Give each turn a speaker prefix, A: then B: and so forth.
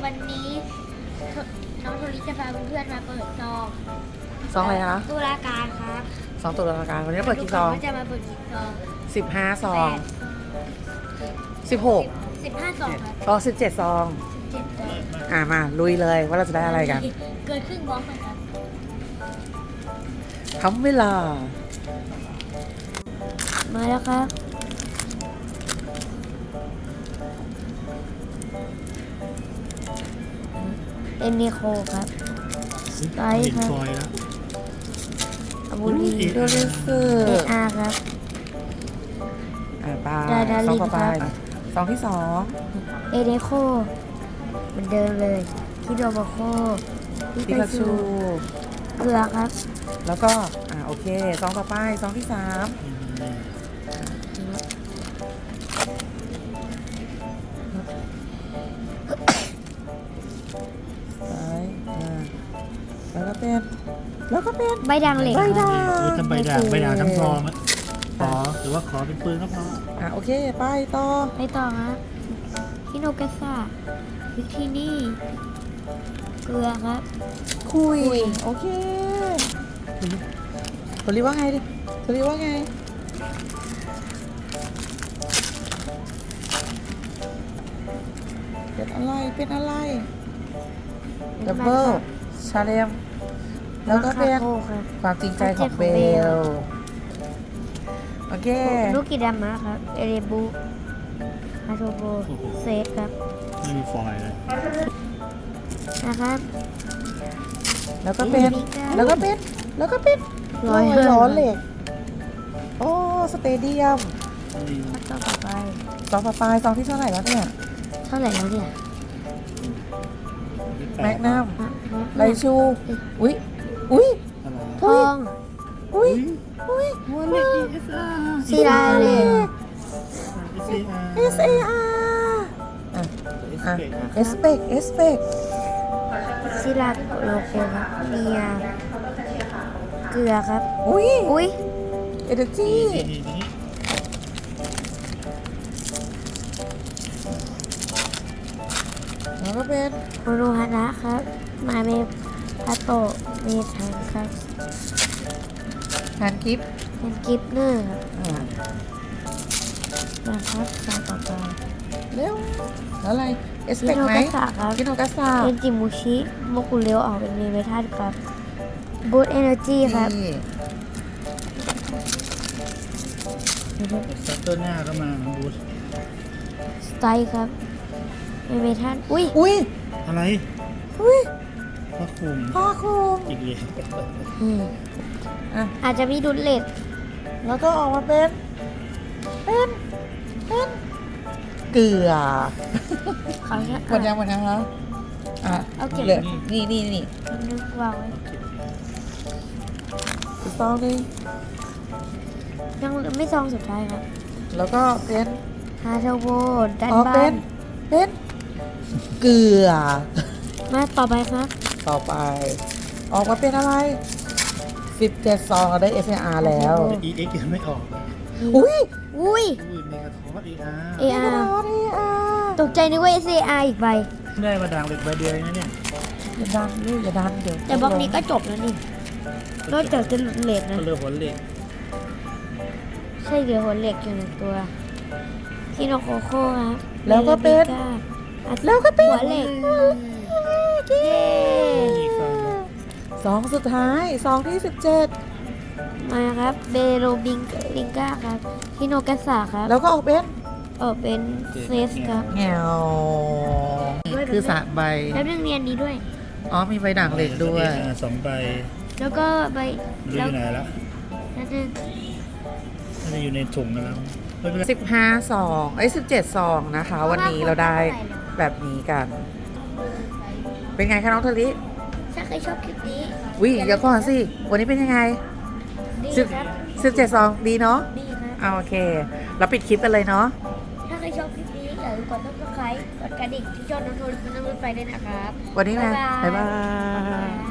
A: วันนี้น้องโทริจะพาเพื่อนๆมาเปิดซอง
B: ซองอะไรคะ
A: ตุลาการครับ
B: ซองตุลาการวันนี้เปิดกี่ซอง
A: ก็จะมาเปิดกี่ซอง
B: 15 ซอง 16
A: 15ซองครับ
B: อ๋อ17 ซอง
A: 17ซอง
B: มาลุยเลยว่าเราจะได้อะไรกัน
A: เกินครึ่งบล็อกนะครับ
B: ทำเวลา
A: มาแล้วครับเอ็นนิโคครับสไตล์ครับ
C: ฟอยล์แล้ว
A: อาบูลี
B: โดริสึ
A: เออาร์ครับ
B: ไป
A: ดา
B: ซ
A: ริ
B: อง
A: น
B: ต่อไป
A: ครับ
B: ซองที่สอง
A: เอเนโคเหมือนเดิมเลยคิโดโบโค
B: ปิกาชู
A: เกลือครับ
B: แล้วก็โอเคซองต่อไปซองที่สามแล้วก็เป็น
A: ใบด่างเหล็ก
B: ใบ
A: ครับ
B: ด่าง
C: ทำใบด่างทั้งซองอะขอหรือว่าขอเป็นปืนก็พอ
B: โอเคไปต่อ
A: ไปต่อครับคิโนกาซาวิทีนี่เกลือครับ
B: คุยโอเคตัวรีว่าไงดิตัวรีว่าไงเป็นอะไรดับเบิลชาเลมแล้วก็เป็น
A: มาคาโก้ครับ
B: ความจริงใจของเบล โอเค
A: ลูกกิดามะครับ เอเรบุอาโทโบเซฟครับ
C: ไม่มีฟอยล์เลย
A: นะครับ
B: แล้วก็เป็น
A: แล้วก็ ร้อย
B: ล้อเหล็ก โอ้ สเตเดียม
A: ต่อไป
B: ซองต่อไปซองที่เท่าไหร่แล้วเนี่ย
A: เท่าไหร่แล้วเนี่ย
B: แมกนัม
A: อ่ะ
B: ไรชู อุ้ย
C: อะไร
A: ทอง
B: อุ้ย
C: วันนี้
A: ศิลาเหล็ก
B: SAR เอสเปก
A: ศิลาโลโก้ครับเนียเกลือครับ
B: อุ้ย
A: อุ้ย
B: เอเนจีแล้วก็เป็น
A: โมโนฮานะครับ มาเมพาโตะเมทันครับ
B: แฮนด์กิฟ
A: เป็นกิฟเนอร์ครับ
B: อ่า
A: นะครับซองต่อไป
B: เร็วแล้วอะไร เอส
A: คิ
B: เปก
A: โน
B: ไหม
A: กาซะครับ
B: คิโนกาซา
A: เป็นจิมูชิโมกุเรียวออกเป็นเมทัลครับบูตเอเนอร์จีครับ
C: ซัตเตอร์หน้าก็มาบูส
A: สไตล์ครับเมทัลอุ้ย
C: อะไร
B: อุ้ย
C: พระคุม
B: พ่อคุม
C: อีกเลย
B: อ่ะ
A: อาจจะมีดุลเลต
B: แล้วก็ออกมาเป็นเกลือ
A: เขาจะ
B: หมดยังคะ
A: เอาเก็บ
B: เหลือนี่
A: นึกวางไว้
B: อีกซองหนึง
A: ยังไม่ซองสุดท้ายครับ
B: แล้วก็เป็น
A: ฮาเทลโบดัน
B: เป็
A: บ้าน
B: นเกลือ
A: มาต่อไปครับ
B: ต่อไป ออกมาเป็นอะไร17ซองเราได้ SAR แล้ว
C: อีเอ็กยังไม่ออก
B: อุ้ย
A: อุ้ย
C: อุ้ยเมกาทอสอีอาร์
A: AR ตกใจนึกว่า SAR อีกใบ
C: ได้มาด่างเหล็กใบเดียวเองนะเนี่ย
B: อย่าดันลูกอย่าดันเดี๋ยว
A: แต่บล็อกนี้ก็จบแล้วนี่ นอกจากจะหลุดเลทนะ
C: ก็เลือกหัวเหล็ก
A: ใช่เดี๋ยวหัวเหล็กอยู่หนึ่งตัวคิโนโคโค่ครับ
B: แล้วก็เป็น
A: เมลิก้าอ่ะ
B: แล้วก็เป็น
A: หัวเหล็กเย้
C: อีกซอง
B: ซองสุดท้ายซองที่17
A: มาครับเบโรบิงก้าครับคิโนกาซาครับ
B: แล้วก็ออกเป็น
A: เป็นเฟสครับ
B: แงวคือสระใบ
A: แล้วเรื่องเรียนนี้ด้วย
B: มีใบด่างเหล็กด้วย
C: สองใบ
A: แล้วก็ใบ
C: ไม่รู้อยู่ไหนละ
A: แล้วนึง
C: น่าจะอยู่ในถุงกันแล้วไม่เป็นไร
B: 15ซอง17ซองนะคะ วันนี้เราได้แบบนี้กัน เป็นไงคะน้องทะลิ
A: ถ้าใครชอบคลิปนี้
B: วิเดี๋ยวก่อนสิ วันนี้เป็นยังไง
A: ดีครับ
B: 17ซองดีเนาะ
A: ดีครับ
B: โอเค เราปิดคลิปกันเลยเนาะ
A: ถ้าใครชอบคลิปนี้อย่าลืมกดซับสไครต์กดกระดิ่งที่ช่องน้องโทรเป็นน้ำรถไฟด้วยนะครับ
B: วันนี้นะ
A: บ๊ายบาย
B: บ๊ายบาย